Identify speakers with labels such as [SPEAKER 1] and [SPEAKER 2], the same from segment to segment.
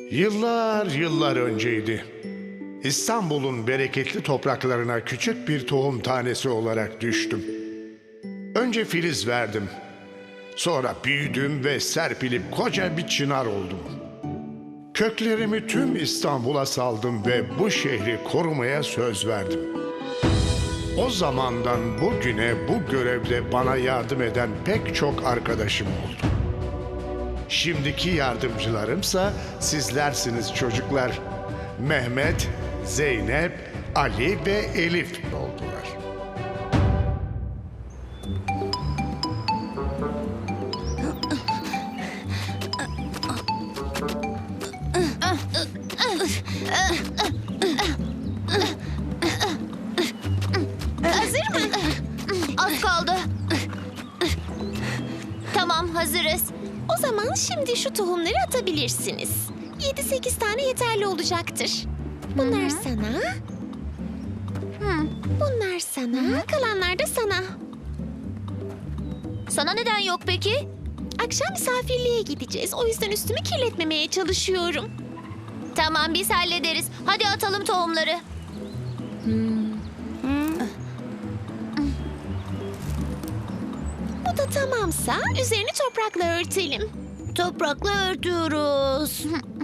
[SPEAKER 1] Yıllar yıllar önceydi. İstanbul'un bereketli topraklarına küçük bir tohum tanesi olarak düştüm. Önce filiz verdim. Sonra büyüdüm ve serpilip koca bir çınar oldum. Köklerimi tüm İstanbul'a saldım ve bu şehri korumaya söz verdim. O zamandan bugüne bu görevde bana yardım eden pek çok arkadaşım oldu. Şimdiki yardımcılarımsa sizlersiniz çocuklar. Mehmet, Zeynep, Ali ve Elif oldular.
[SPEAKER 2] Hazır mı? Az kaldı. Tamam, hazırız.
[SPEAKER 3] O zaman şimdi şu tohumları atabilirsiniz. 7-8 tane yeterli olacaktır. Bunlar sana. Bunlar sana. Kalanlar da sana.
[SPEAKER 2] Sana neden yok peki?
[SPEAKER 3] Akşam misafirliğe gideceğiz. O yüzden üstümü kirletmemeye çalışıyorum.
[SPEAKER 2] Tamam, biz hallederiz. Hadi atalım tohumları.
[SPEAKER 3] Bu da tamamsa üzerini toprakla örtelim.
[SPEAKER 2] Toprakla örtüyoruz.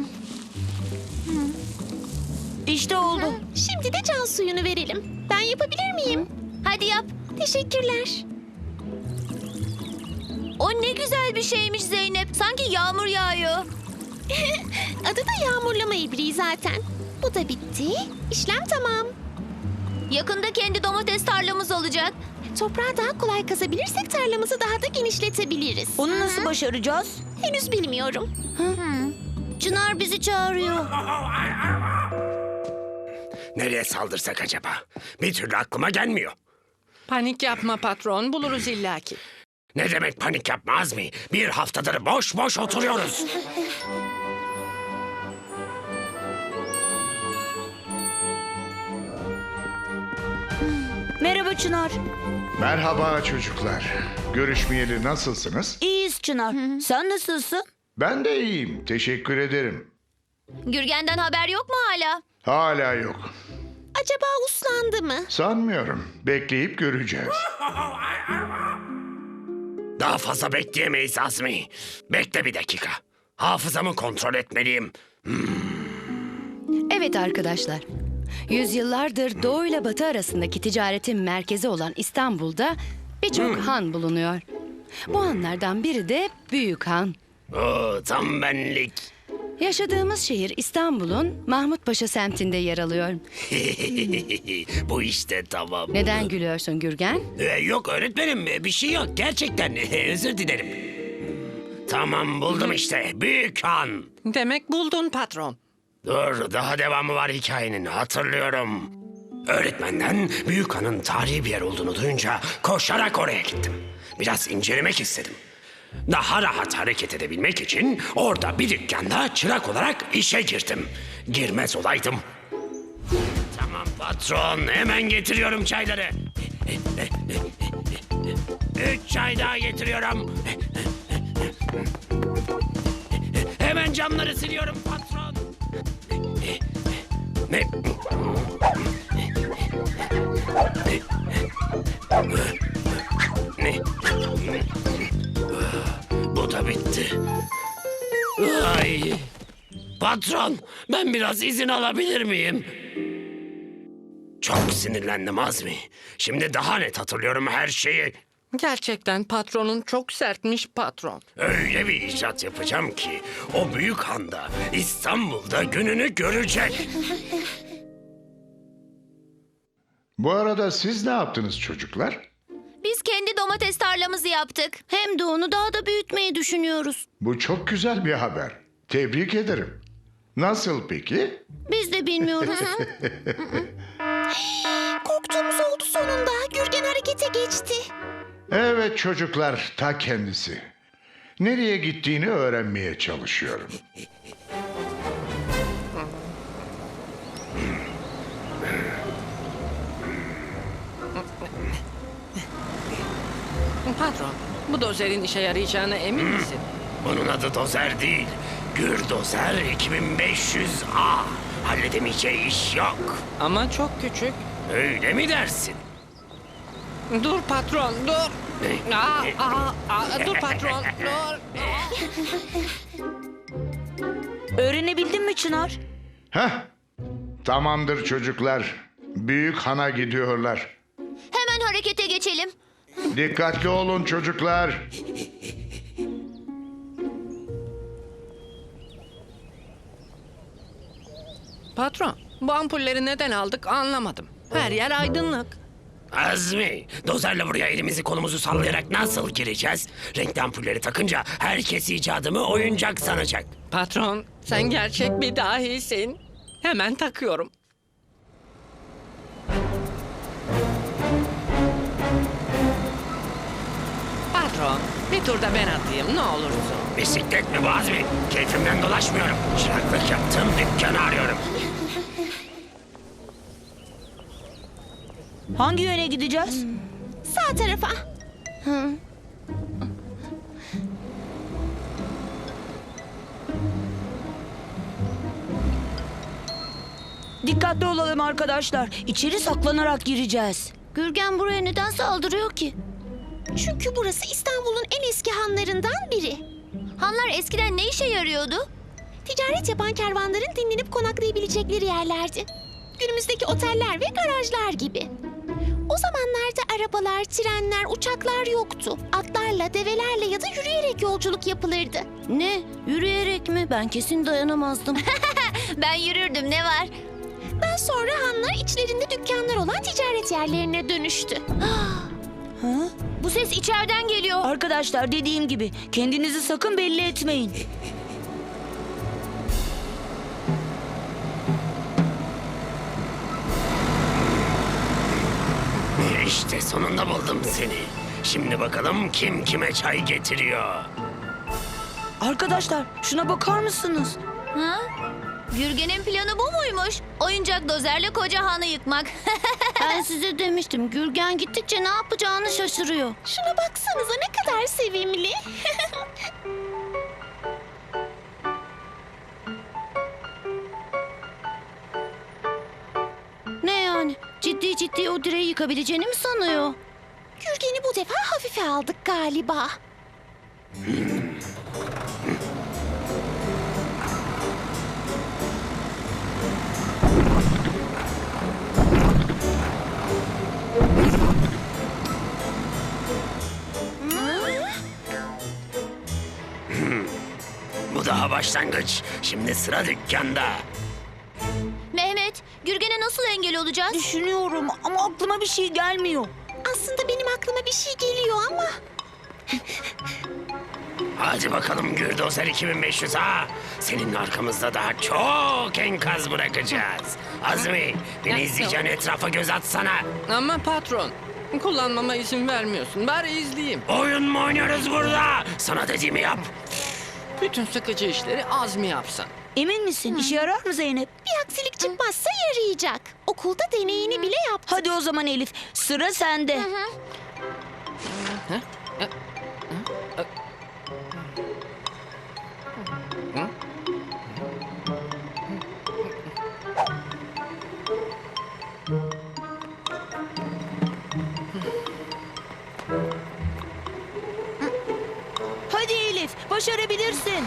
[SPEAKER 2] İşte oldu.
[SPEAKER 3] Şimdi de can suyunu verelim. Ben yapabilir miyim?
[SPEAKER 2] Hadi yap.
[SPEAKER 3] Teşekkürler.
[SPEAKER 2] O ne güzel bir şeymiş Zeynep. Sanki yağmur yağıyor.
[SPEAKER 3] Adı da yağmurlama ibriği zaten. Bu da bitti. İşlem tamam.
[SPEAKER 2] Yakında kendi domates tarlamız olacak.
[SPEAKER 3] Toprağı daha kolay kazabilirsek tarlamızı daha da genişletebiliriz.
[SPEAKER 2] Onu nasıl başaracağız?
[SPEAKER 3] Henüz bilmiyorum.
[SPEAKER 2] Çınar bizi çağırıyor.
[SPEAKER 4] Nereye saldırsak acaba? Bir türlü aklıma gelmiyor.
[SPEAKER 5] Panik yapma patron, buluruz illaki.
[SPEAKER 4] Ne demek panik yapmaz mı? Bir haftadır boş boş oturuyoruz.
[SPEAKER 2] Merhaba Çınar.
[SPEAKER 1] Merhaba çocuklar. Görüşmeyeli nasılsınız?
[SPEAKER 2] İyiyiz Çınar. Sen nasılsın?
[SPEAKER 1] Ben de iyiyim. Teşekkür ederim.
[SPEAKER 2] Gürgen'den haber yok mu hala?
[SPEAKER 1] Hala yok.
[SPEAKER 3] Acaba uslandı mı?
[SPEAKER 1] Sanmıyorum. Bekleyip göreceğiz.
[SPEAKER 4] Daha fazla bekleyemeyiz Azmi. Bekle bir dakika. Hafızamı kontrol etmeliyim.
[SPEAKER 6] Evet arkadaşlar. Yüzyıllardır Doğu ile Batı arasındaki ticaretin merkezi olan İstanbul'da birçok han bulunuyor. Bu hanlardan biri de Büyük Han.
[SPEAKER 4] Oo, tam benlik.
[SPEAKER 6] Yaşadığımız şehir İstanbul'un Mahmutpaşa semtinde yer alıyor.
[SPEAKER 4] Bu işte tamam.
[SPEAKER 6] Neden gülüyorsun Gürgen?
[SPEAKER 4] Yok öğretmenim bir şey yok gerçekten özür dilerim. Tamam buldum işte Büyük Han.
[SPEAKER 5] Demek buldun patron.
[SPEAKER 4] Dur daha devamı var hikayenin hatırlıyorum. Öğretmenden Büyük Han'ın tarihi bir yer olduğunu duyunca koşarak oraya gittim. Biraz incelemek istedim. Daha rahat hareket edebilmek için orada bir dükkanda çırak olarak işe girdim. Girmez olaydım. Tamam patron hemen getiriyorum çayları. 3 çay daha getiriyorum. Hemen camları siliyorum patron. Ne? Ne? Bu da bitti. Ay. Patron, ben biraz izin alabilir miyim? Çok sinirlendim Azmi. Şimdi daha net hatırlıyorum her şeyi.
[SPEAKER 5] Gerçekten patronun çok sertmiş patron.
[SPEAKER 4] Öyle bir icat yapacağım ki o büyük handa İstanbul'da gününü görecek.
[SPEAKER 1] Bu arada siz ne yaptınız çocuklar?
[SPEAKER 2] Biz kendi domates tarlamızı yaptık. Hem de onu daha da büyütmeyi düşünüyoruz.
[SPEAKER 1] Bu çok güzel bir haber. Tebrik ederim. Nasıl peki?
[SPEAKER 2] Biz de bilmiyoruz.
[SPEAKER 3] Korktuğumuz oldu sonunda. Gürgen harekete geçti.
[SPEAKER 1] Evet çocuklar, ta kendisi. Nereye gittiğini öğrenmeye çalışıyorum.
[SPEAKER 5] Patron, bu dozerin işe yarayacağına emin misin?
[SPEAKER 4] Bunun adı dozer değil. Gürdozer 2500A. Halledemeyeceği iş yok.
[SPEAKER 5] Ama çok küçük.
[SPEAKER 4] Öyle mi dersin?
[SPEAKER 5] Dur patron, dur. Dur patron, dur.
[SPEAKER 7] Öğrenebildin mi Çınar?
[SPEAKER 1] Heh, tamamdır çocuklar. Büyük hana gidiyorlar.
[SPEAKER 2] Hemen harekete geçelim.
[SPEAKER 1] Dikkatli olun çocuklar.
[SPEAKER 5] Patron, bu ampulleri neden aldık anlamadım. Her yer aydınlık.
[SPEAKER 4] Azmi, dozerle buraya elimizi kolumuzu sallayarak nasıl gireceğiz? Renkli ampulleri takınca herkes icadımı oyuncak sanacak.
[SPEAKER 5] Patron, sen gerçek bir dahisin. Hemen takıyorum. Patron, bir turda ben atayım ne olursun.
[SPEAKER 4] Bisiklet mi bu Azmi? Keyfimden dolaşmıyorum. Çıraklık yaptığım dükkanı arıyorum.
[SPEAKER 7] Hangi yöne gideceğiz?
[SPEAKER 3] Sağ tarafa.
[SPEAKER 7] Dikkatli olalım arkadaşlar. İçeri saklanarak gireceğiz.
[SPEAKER 2] Gürgen buraya neden saldırıyor ki?
[SPEAKER 3] Çünkü burası İstanbul'un en eski hanlarından biri.
[SPEAKER 2] Hanlar eskiden ne işe yarıyordu?
[SPEAKER 3] Ticaret yapan kervanların dinlenip konaklayabilecekleri yerlerdi. Günümüzdeki oteller ve garajlar gibi. O zamanlarda arabalar, trenler, uçaklar yoktu. Atlarla, develerle ya da yürüyerek yolculuk yapılırdı.
[SPEAKER 2] Ne? Yürüyerek mi? Ben kesin dayanamazdım. Ben yürürdüm, ne var?
[SPEAKER 3] Daha sonra hanlar içlerinde dükkanlar olan ticaret yerlerine dönüştü.
[SPEAKER 2] Bu ses içeriden geliyor.
[SPEAKER 7] Arkadaşlar dediğim gibi kendinizi sakın belli etmeyin.
[SPEAKER 4] İşte sonunda buldum seni. Şimdi bakalım kim kime çay getiriyor.
[SPEAKER 7] Arkadaşlar şuna bakar mısınız?
[SPEAKER 2] Ha? Gürgen'in planı bu muymuş? Oyuncak dozerle koca hanı yıkmak. Ben size demiştim. Gürgen gittikçe ne yapacağını şaşırıyor.
[SPEAKER 3] Şuna baksanıza ne kadar sevimli.
[SPEAKER 2] Ne yani? Ciddi ciddi o direği yıkabileceğini mi sanıyor?
[SPEAKER 3] Gürgen'i bu defa hafife aldık galiba.
[SPEAKER 4] Bu daha başlangıç. Şimdi sıra dükkanda.
[SPEAKER 2] Mehmet, Gürgen'e nasıl engel olacağız?
[SPEAKER 7] Düşünüyorum ama aklıma bir şey gelmiyor.
[SPEAKER 3] Aslında benim aklıma bir şey geliyor ama...
[SPEAKER 4] Hadi bakalım Gürdozer 2500A. Senin arkamızda daha çok enkaz bırakacağız. Azmi, beni izleyeceğin etrafa göz atsana.
[SPEAKER 5] Ama patron, kullanmama izin vermiyorsun. Bari izleyeyim.
[SPEAKER 4] Oyun mu oynuyoruz burada? Sana dediğimi yap.
[SPEAKER 5] Bütün sıkıcı işleri Azmi yapsın.
[SPEAKER 7] Emin misin? İşe yarar mı Zeynep?
[SPEAKER 3] Bir aksilik çıkmazsa yarayacak. Okulda deneyini bile yaptı.
[SPEAKER 7] Hadi o zaman Elif sıra sende. Hadi Elif başarabilirsin.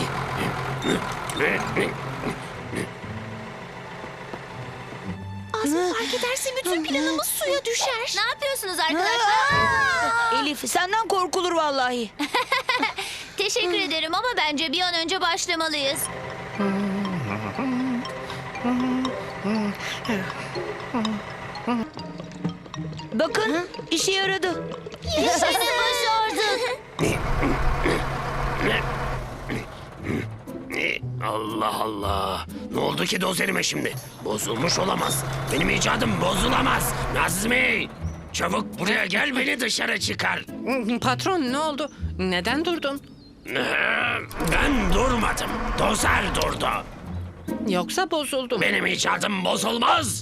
[SPEAKER 3] Azmi fark ederse bütün planımız suya düşer.
[SPEAKER 2] Ne yapıyorsunuz arkadaşlar?
[SPEAKER 7] Elif senden korkulur vallahi.
[SPEAKER 2] Teşekkür ederim ama bence bir an önce başlamalıyız.
[SPEAKER 7] Bakın işe yaradı.
[SPEAKER 2] Yaşasın, başardık.
[SPEAKER 4] Allah Allah. Ne oldu ki dozerime şimdi? Bozulmuş olamaz. Benim icadım bozulamaz. Nazmi! Çabuk buraya gel, beni dışarı çıkar.
[SPEAKER 5] Patron ne oldu? Neden durdun?
[SPEAKER 4] Ben durmadım. Dozer durdu.
[SPEAKER 5] Yoksa bozuldum.
[SPEAKER 4] Benim icadım bozulmaz.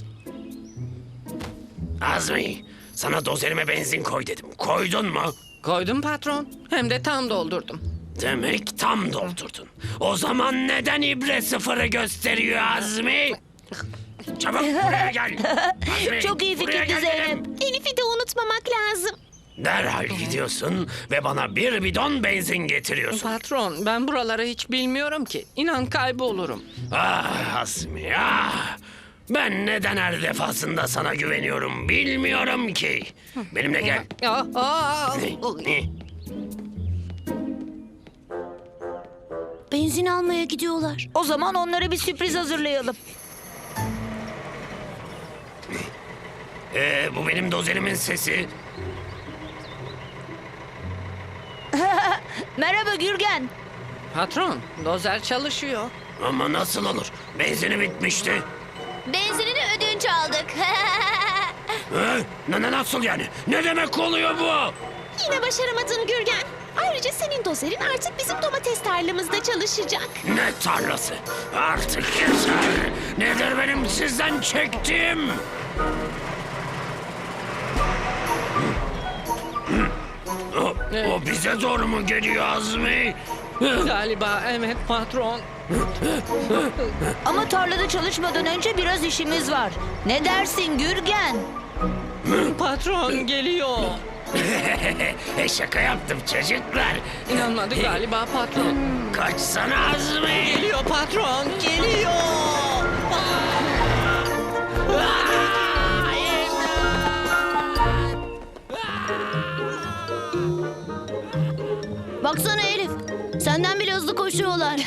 [SPEAKER 4] Azmi, sana dozerime benzin koy dedim. Koydun mu?
[SPEAKER 5] Koydum patron. Hem de tam doldurdum.
[SPEAKER 4] Demek tam doldurdun. O zaman neden ibre sıfırı gösteriyor Azmi? Çabuk buraya gel. Azmi,
[SPEAKER 7] Çok iyi
[SPEAKER 4] buraya
[SPEAKER 7] fikirdi
[SPEAKER 4] gel
[SPEAKER 7] Zeynep.
[SPEAKER 4] dedim.
[SPEAKER 3] Elif'i de unutmamak lazım.
[SPEAKER 4] Derhal gidiyorsun ve bana bir bidon benzin getiriyorsun.
[SPEAKER 5] Patron, ben buraları hiç bilmiyorum ki. İnan kaybolurum.
[SPEAKER 4] Ah Azmi ah. Ben neden her defasında sana güveniyorum bilmiyorum ki. Benimle gel.
[SPEAKER 2] Benzin almaya gidiyorlar.
[SPEAKER 7] O zaman onlara bir sürpriz hazırlayalım.
[SPEAKER 4] Bu benim dozerimin sesi.
[SPEAKER 7] Merhaba Gürgen.
[SPEAKER 5] Patron, dozer çalışıyor.
[SPEAKER 4] Ama nasıl olur? Benzini bitmişti.
[SPEAKER 2] Benzinini ödünç aldık.
[SPEAKER 4] Nasıl yani? Ne demek oluyor bu?
[SPEAKER 3] Yine başaramadın Gürgen. Ayrıca senin dozerin artık bizim domates tarlamızda çalışacak.
[SPEAKER 4] Ne tarlası? Artık yeter. Nedir benim sizden çektiğim? O bize doğru mu geliyor Azmi?
[SPEAKER 5] Galiba evet patron.
[SPEAKER 7] Ama tarlada çalışmadan önce biraz işimiz var. Ne dersin Gürgen?
[SPEAKER 5] Patron geliyor.
[SPEAKER 4] Şaka yaptım çocuklar.
[SPEAKER 5] İnanmadı galiba patron.
[SPEAKER 4] Kaçsana Azmi.
[SPEAKER 5] Geliyor patron, geliyor.
[SPEAKER 2] Baksana Elif. Senden bile hızlı koşuyorlar.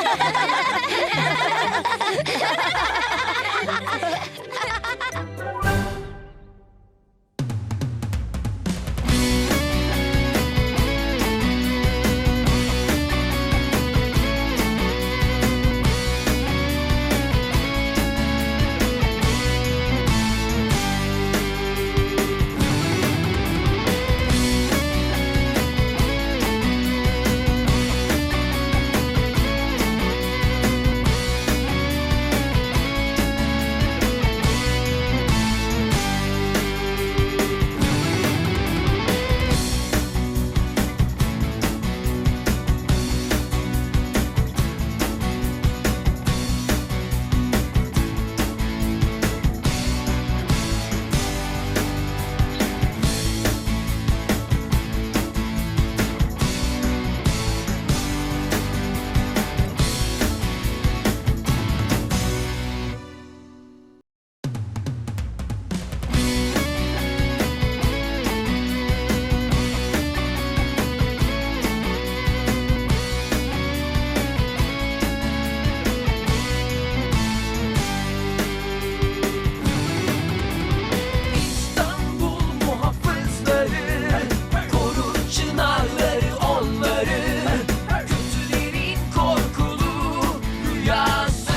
[SPEAKER 8] İstanbul muhafızları korur çınarları onları. Kötülerin korkulu rüyası,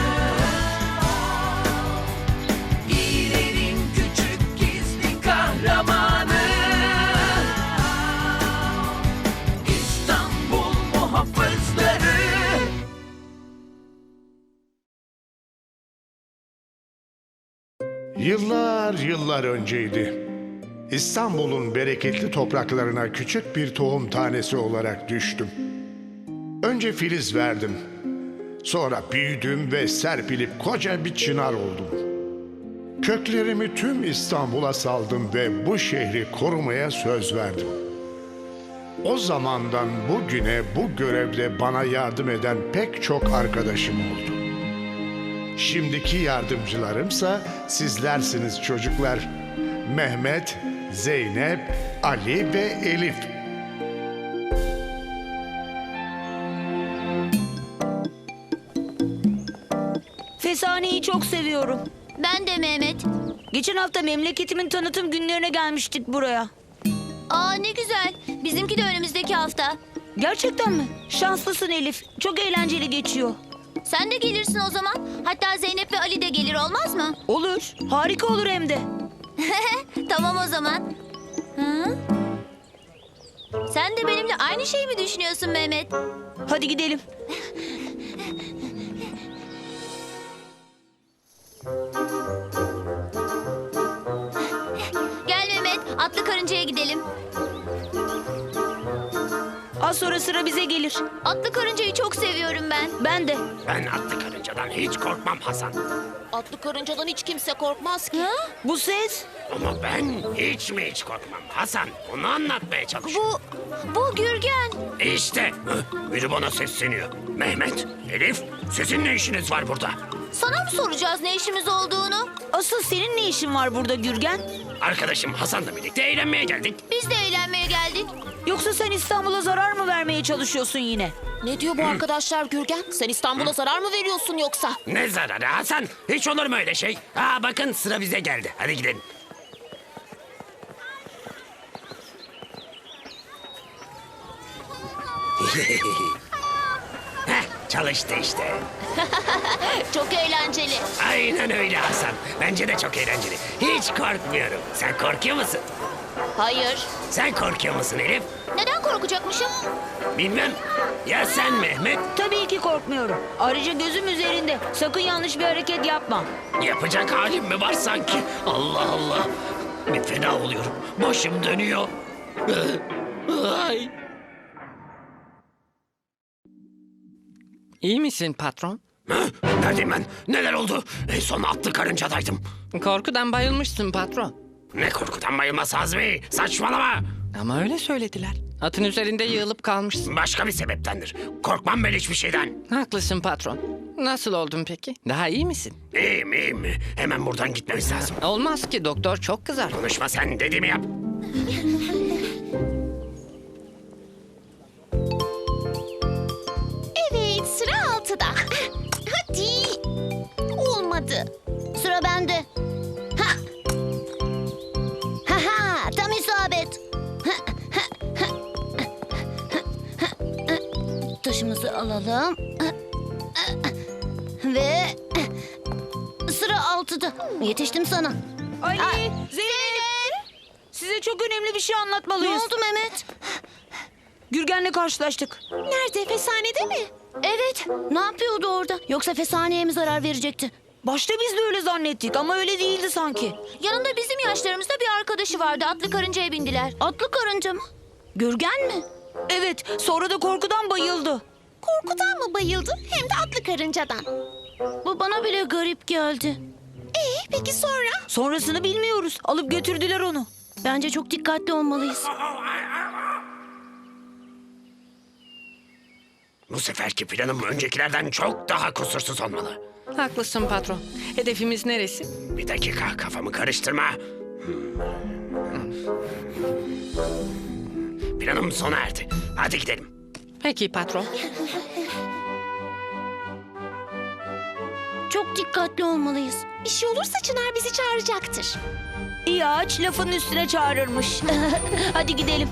[SPEAKER 8] İyilerin küçük gizli kahramanı. İstanbul muhafızları.
[SPEAKER 1] Yıllar önceydi. İstanbul'un bereketli topraklarına küçük bir tohum tanesi olarak düştüm. Önce filiz verdim. Sonra büyüdüm ve serpilip koca bir çınar oldum. Köklerimi tüm İstanbul'a saldım ve bu şehri korumaya söz verdim. O zamandan bugüne bu görevde bana yardım eden pek çok arkadaşım oldu. Şimdiki yardımcılarımsa sizlersiniz çocuklar. Mehmet, Zeynep, Ali ve Elif.
[SPEAKER 7] Fesani'yi çok seviyorum.
[SPEAKER 2] Ben de Mehmet.
[SPEAKER 7] Geçen hafta memleketimin tanıtım günlerine gelmiştik buraya.
[SPEAKER 2] Aa ne güzel. Bizimki de önümüzdeki hafta.
[SPEAKER 7] Gerçekten mi? Şanslısın Elif. Çok eğlenceli geçiyor.
[SPEAKER 2] Sen de gelirsin o zaman. Hatta Zeynep ve Ali de gelir olmaz mı?
[SPEAKER 7] Olur. Harika olur hem de.
[SPEAKER 2] Tamam o zaman. Hı? Sen de benimle aynı şeyi mi düşünüyorsun Mehmet?
[SPEAKER 7] Hadi gidelim.
[SPEAKER 2] Gel Mehmet, atlı karıncaya gidelim.
[SPEAKER 7] Az sonra sıra bize gelir.
[SPEAKER 2] Atlı karıncayı çok seviyorum ben.
[SPEAKER 7] Ben de.
[SPEAKER 4] Ben atlı karıncadan hiç korkmam Hasan.
[SPEAKER 3] Atlı karıncadan hiç kimse korkmaz ki.
[SPEAKER 7] Bu ses?
[SPEAKER 4] Ama ben hiç korkmam Hasan. Onu anlatmaya çalışıyorum.
[SPEAKER 2] Bu Gürgen.
[SPEAKER 4] İşte biri bana sesleniyor. Mehmet, Elif, sizin ne işiniz var burada?
[SPEAKER 2] Sana mı soracağız ne işimiz olduğunu?
[SPEAKER 7] Asıl senin ne işin var burada Gürgen?
[SPEAKER 4] Arkadaşım Hasan'la birlikte eğlenmeye geldik.
[SPEAKER 2] Biz de eğlenmeye geldik.
[SPEAKER 7] Yoksa sen İstanbul'a zarar mı vermeye çalışıyorsun yine?
[SPEAKER 3] Ne diyor bu arkadaşlar Gürgen? Sen İstanbul'a zarar mı veriyorsun yoksa?
[SPEAKER 4] Ne zararı Hasan? Hiç olur mu öyle şey? Aa bakın sıra bize geldi. Hadi gidelim. Heh, çalıştı işte.
[SPEAKER 2] Çok eğlenceli.
[SPEAKER 4] Aynen öyle Hasan. Bence de çok eğlenceli. Hiç korkmuyorum. Sen korkuyor musun?
[SPEAKER 2] Hayır.
[SPEAKER 4] Sen korkuyor musun Elif?
[SPEAKER 2] Neden korkacakmışım?
[SPEAKER 4] Bilmem. Ya sen Mehmet?
[SPEAKER 7] Tabii ki korkmuyorum. Ayrıca gözüm üzerinde. Sakın yanlış bir hareket yapma.
[SPEAKER 4] Yapacak halim mi var sanki? Allah Allah. Bir fena oluyorum. Başım dönüyor. Ay.
[SPEAKER 5] İyi misin patron?
[SPEAKER 4] Hı? Neredeyim ben? Neler oldu? En son atlı karıncadaydım.
[SPEAKER 5] Korkudan bayılmışsın patron.
[SPEAKER 4] Ne korkudan bayılması Azmi? Saçmalama.
[SPEAKER 5] Ama öyle söylediler. Atın üzerinde yığılıp kalmışsın.
[SPEAKER 4] Başka bir sebeptendir. Korkmam ben hiçbir şeyden.
[SPEAKER 5] Haklısın patron. Nasıl oldun peki? Daha iyi misin?
[SPEAKER 4] İyiyim. Hemen buradan gitmemiz lazım.
[SPEAKER 5] Olmaz ki doktor çok kızar.
[SPEAKER 4] Konuşma sen, dediğimi yap.
[SPEAKER 3] Evet, sıra 6'da. Hadi. Olmadı.
[SPEAKER 2] Sıra bende. Ha. Ha ha, tam isabet. Taşımızı alalım. Ve sıra 6'da. Yetiştim sana.
[SPEAKER 7] Ali, Zeynep. Size çok önemli bir şey
[SPEAKER 2] Ne
[SPEAKER 7] anlatmalıyız.
[SPEAKER 2] oldu Mehmet?
[SPEAKER 7] Gürgen'le karşılaştık.
[SPEAKER 3] Nerede? Fesanede mi?
[SPEAKER 2] Evet, ne yapıyordu orada? Yoksa fesaneye mi zarar verecekti?
[SPEAKER 7] Başta biz de öyle zannettik ama öyle değildi sanki.
[SPEAKER 2] Yanında bizim yaşlarımızda bir arkadaşı vardı. Atlı karıncaya bindiler. Atlı karınca mı? Gürgen mi?
[SPEAKER 7] Evet, sonra da korkudan bayıldı.
[SPEAKER 3] Korkudan mı bayıldı hem de atlı karıncadan.
[SPEAKER 2] Bu bana bile garip geldi.
[SPEAKER 3] Peki sonra?
[SPEAKER 7] Sonrasını bilmiyoruz. Alıp götürdüler onu.
[SPEAKER 2] Bence çok dikkatli olmalıyız.
[SPEAKER 4] Bu seferki planım öncekilerden çok daha kusursuz olmalı.
[SPEAKER 5] Haklısın patron. Hedefimiz neresi?
[SPEAKER 4] Bir dakika, kafamı karıştırma. Planım sona erdi. Hadi gidelim.
[SPEAKER 5] Peki patron.
[SPEAKER 2] Çok dikkatli olmalıyız.
[SPEAKER 3] Bir şey olursa Çınar bizi çağıracaktır.
[SPEAKER 7] İyi ağaç lafın üstüne çağırırmış. Hadi gidelim.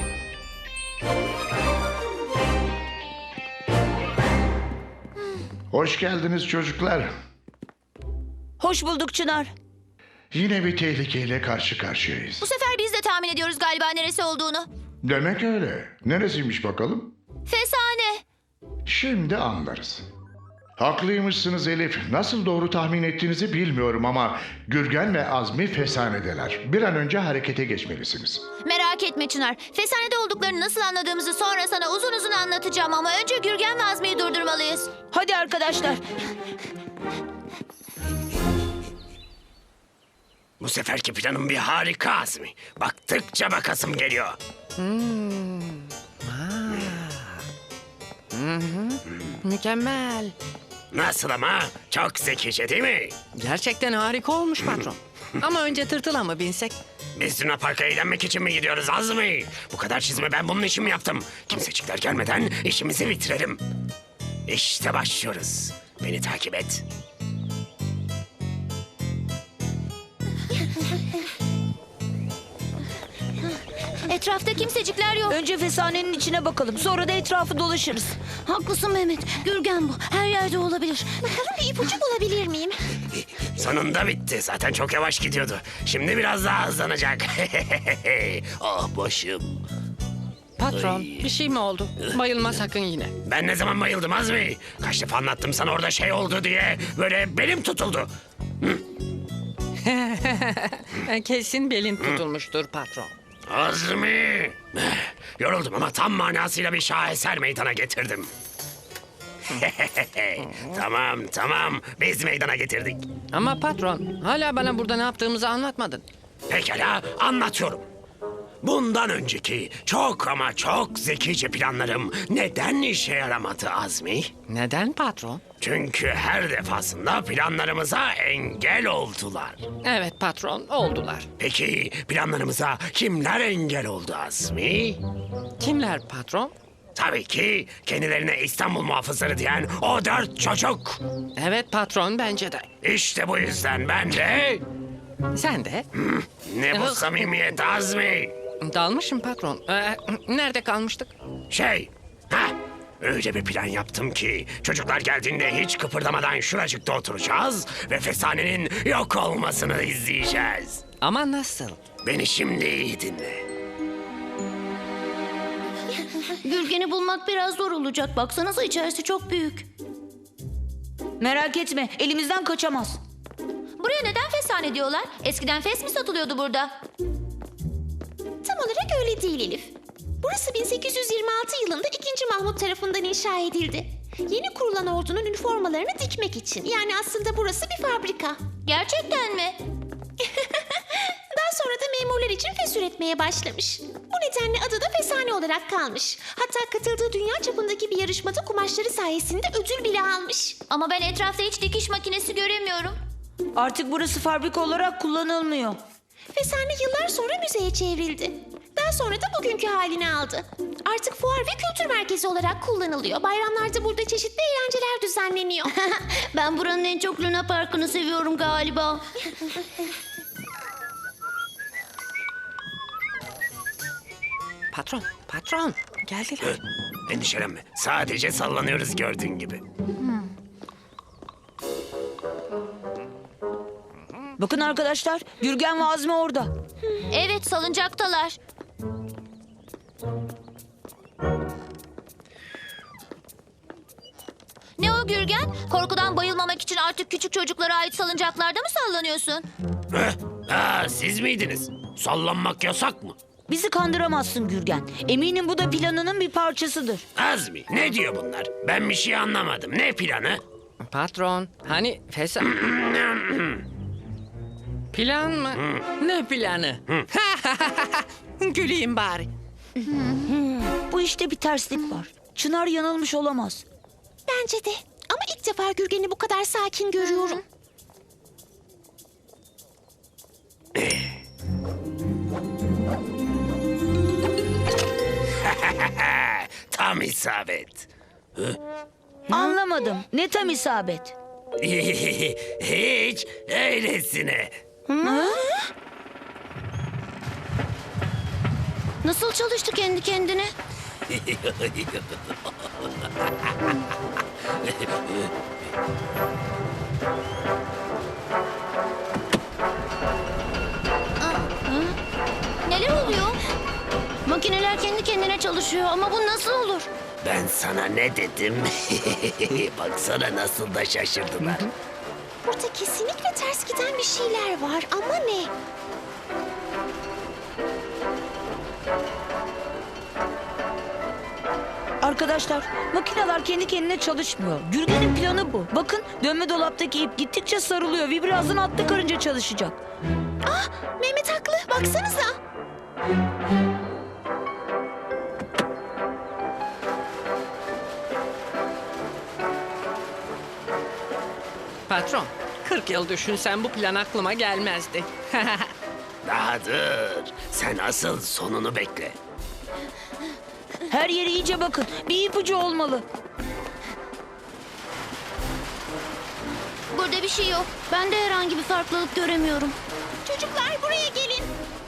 [SPEAKER 1] Hoş geldiniz çocuklar.
[SPEAKER 7] Hoş bulduk Çınar.
[SPEAKER 1] Yine bir tehlikeyle karşı karşıyayız.
[SPEAKER 2] Bu sefer biz de tahmin ediyoruz galiba neresi olduğunu.
[SPEAKER 1] Demek öyle. Neresiymiş bakalım?
[SPEAKER 2] Fesane.
[SPEAKER 1] Şimdi anlarız. Haklıymışsınız Elif. Nasıl doğru tahmin ettiğinizi bilmiyorum ama Gürgen ve Azmi fesanedeler. Bir an önce harekete geçmelisiniz.
[SPEAKER 2] Merak etme Çınar. Fesanede olduklarını nasıl anladığımızı sonra sana uzun uzun anlatacağım ama önce Gürgen ve Azmi'yi durdurmalıyız.
[SPEAKER 7] Hadi arkadaşlar.
[SPEAKER 4] Bu seferki planım bir harika Azmi. Baktıkça bakasım geliyor.
[SPEAKER 5] Mükemmel.
[SPEAKER 4] Nasıl ama? Çok zekice değil mi?
[SPEAKER 5] Gerçekten harika olmuş patron. Ama önce tırtıla mı binsek?
[SPEAKER 4] Biz Luna Park'a eğlenmek için mi gidiyoruz Azmi? Bu kadar çizimi ben bunun için mi yaptım? Kimsecikler gelmeden işimizi bitirelim. İşte başlıyoruz. Beni takip et.
[SPEAKER 2] Etrafta kimsecikler yok.
[SPEAKER 7] Önce fesanenin içine bakalım. Sonra da etrafı dolaşırız.
[SPEAKER 2] Haklısın Mehmet. Gürgen bu. Her yerde olabilir.
[SPEAKER 3] Bakalım bir ipucu bulabilir miyim?
[SPEAKER 4] Sonunda bitti. Zaten çok yavaş gidiyordu. Şimdi biraz daha hızlanacak. Ah başım.
[SPEAKER 5] Patron bir şey mi oldu? Bayılma sakın yine.
[SPEAKER 4] Ben ne zaman bayıldım Azmi? Kaç defa anlattım sana orada şey oldu diye. Böyle belim tutuldu.
[SPEAKER 5] Kesin belin tutulmuştur patron.
[SPEAKER 4] Azmi! Yoruldum ama tam manasıyla bir şaheser meydana getirdim. Tamam. Biz meydana getirdik.
[SPEAKER 5] Ama patron, hala bana burada ne yaptığımızı anlatmadın.
[SPEAKER 4] Pekala, anlatıyorum. Bundan önceki çok ama çok zekice planlarım neden işe yaramadı Azmi?
[SPEAKER 5] Neden patron?
[SPEAKER 4] Çünkü her defasında planlarımıza engel oldular.
[SPEAKER 5] Evet patron, oldular.
[SPEAKER 4] Peki planlarımıza kimler engel oldu Azmi?
[SPEAKER 5] Kimler patron?
[SPEAKER 4] Tabii ki kendilerine İstanbul muhafızları diyen o 4 çocuk.
[SPEAKER 5] Evet patron, bence de.
[SPEAKER 4] İşte bu yüzden ben de...
[SPEAKER 5] Sen de?
[SPEAKER 4] Ne bu samimiyet Azmi?
[SPEAKER 5] Dalmışım patron. Nerede kalmıştık?
[SPEAKER 4] Öyle bir plan yaptım ki çocuklar geldiğinde hiç kıpırdamadan şuracıkta oturacağız ve Fesane'nin yok olmasını izleyeceğiz.
[SPEAKER 5] Ama nasıl?
[SPEAKER 4] Beni şimdi iyi dinle.
[SPEAKER 2] Gürgen'i bulmak biraz zor olacak. Baksanıza içerisi çok büyük.
[SPEAKER 7] Merak etme, elimizden kaçamaz.
[SPEAKER 2] Buraya neden fesane diyorlar? Eskiden fes mi satılıyordu burada?
[SPEAKER 3] Tam olarak öyle değil Elif. Burası 1826 yılında 2. Mahmut tarafından inşa edildi. Yeni kurulan ordunun üniformalarını dikmek için. Yani aslında burası bir fabrika.
[SPEAKER 2] Gerçekten mi?
[SPEAKER 3] Daha sonra da memurlar için fes üretmeye başlamış. Bu nedenle adı da Fesane olarak kalmış. Hatta katıldığı dünya çapındaki bir yarışmada kumaşları sayesinde ödül bile almış.
[SPEAKER 2] Ama ben etrafta hiç dikiş makinesi göremiyorum.
[SPEAKER 7] Artık burası fabrika olarak kullanılmıyor.
[SPEAKER 3] Fesane yıllar sonra müzeye çevrildi. Daha sonra da bugünkü halini aldı. Artık fuar ve kültür merkezi olarak kullanılıyor. Bayramlarda burada çeşitli eğlenceler düzenleniyor.
[SPEAKER 2] Ben buranın en çok Luna Park'ını seviyorum galiba.
[SPEAKER 5] Patron, geldiler.
[SPEAKER 4] Endişelenme. Sadece sallanıyoruz gördüğün gibi.
[SPEAKER 7] Bakın arkadaşlar, Gürgen ve Azmi orada.
[SPEAKER 2] Evet, salıncaktalar. Ne o Gürgen? Korkudan bayılmamak için artık küçük çocuklara ait salıncaklarda mı sallanıyorsun?
[SPEAKER 4] Siz miydiniz? Sallanmak yasak mı?
[SPEAKER 7] Bizi kandıramazsın Gürgen. Eminim bu da planının bir parçasıdır.
[SPEAKER 4] Azmi, ne diyor bunlar? Ben bir şey anlamadım. Ne planı?
[SPEAKER 5] Patron, hani Plan mı? Ne planı? Güleyim bari.
[SPEAKER 7] Bu işte bir terslik var. Çınar yanılmış olamaz.
[SPEAKER 3] Bence de. Ama ilk defa Gürgen'i bu kadar sakin görüyorum.
[SPEAKER 4] Tam isabet.
[SPEAKER 7] Anlamadım. Ne tam isabet.
[SPEAKER 4] Hiç öylesine.
[SPEAKER 2] Nasıl çalıştı kendi kendine? Neler oluyor? Makineler kendi kendine çalışıyor ama bu nasıl olur?
[SPEAKER 4] Ben sana ne dedim? Baksana nasıl da şaşırdılar.
[SPEAKER 3] Burada kesinlikle ters giden bir şeyler var ama ne?
[SPEAKER 7] Arkadaşlar, makineler kendi kendine çalışmıyor. Gürgen'in planı bu. Bakın, dönme dolaptaki ip gittikçe sarılıyor ve birazdan atlı karınca çalışacak.
[SPEAKER 3] Ah, Mehmet haklı. Baksanıza.
[SPEAKER 5] Patron, 40 yıl düşünsen bu plan aklıma gelmezdi.
[SPEAKER 4] Daha dur. Sen asıl sonunu bekle.
[SPEAKER 7] Her yere iyice bakın. Bir ipucu olmalı.
[SPEAKER 2] Burada bir şey yok. Ben de herhangi bir farklılık göremiyorum.
[SPEAKER 3] Çocuklar buraya gelin.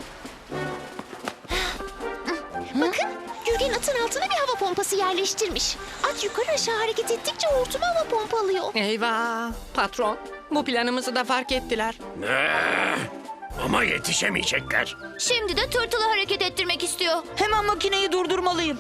[SPEAKER 3] Bakın, Gürgen atın altına bir hava pompası yerleştirmiş. At yukarı aşağı hareket ettikçe hortuma hava pompalıyor.
[SPEAKER 5] Eyvah! Patron, bu planımızı da fark ettiler.
[SPEAKER 4] Ama yetişemeyecekler.
[SPEAKER 2] Şimdi de tırtılı hareket ettirmek istiyor.
[SPEAKER 7] Hemen makineyi durdurmalıyım.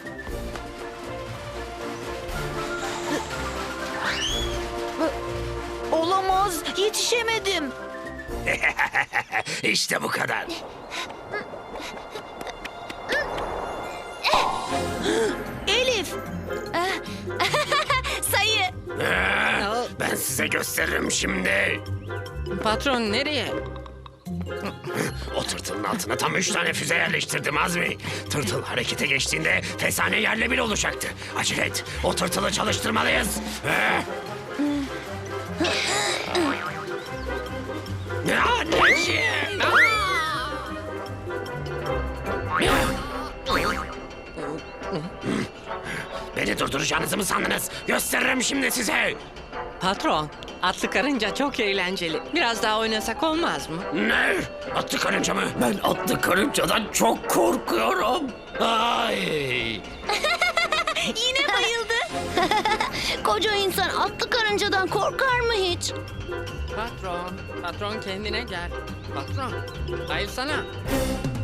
[SPEAKER 7] Olamaz. Yetişemedim.
[SPEAKER 4] İşte bu kadar.
[SPEAKER 7] Elif!
[SPEAKER 2] Sayı.
[SPEAKER 4] Ben size gösteririm şimdi.
[SPEAKER 5] Patron nereye?
[SPEAKER 4] O tırtılın altına tam 3 tane füze yerleştirdim Azmi. Tırtıl harekete geçtiğinde fesane yerle bir olacaktı. Acele et. O tırtılı çalıştırmalıyız. Anneciğim. Beni durduracağınızı mı sandınız? Gösteririm şimdi size.
[SPEAKER 5] Patron, atlı karınca çok eğlenceli. Biraz daha oynasak olmaz mı?
[SPEAKER 4] Ne? Atlı karınca mı? Ben atlı karıncadan çok korkuyorum. Ay.
[SPEAKER 2] Yine bayıldı. Koca insan atlı karıncadan korkar mı hiç?
[SPEAKER 5] Patron kendine gel. Patron, bayılsana.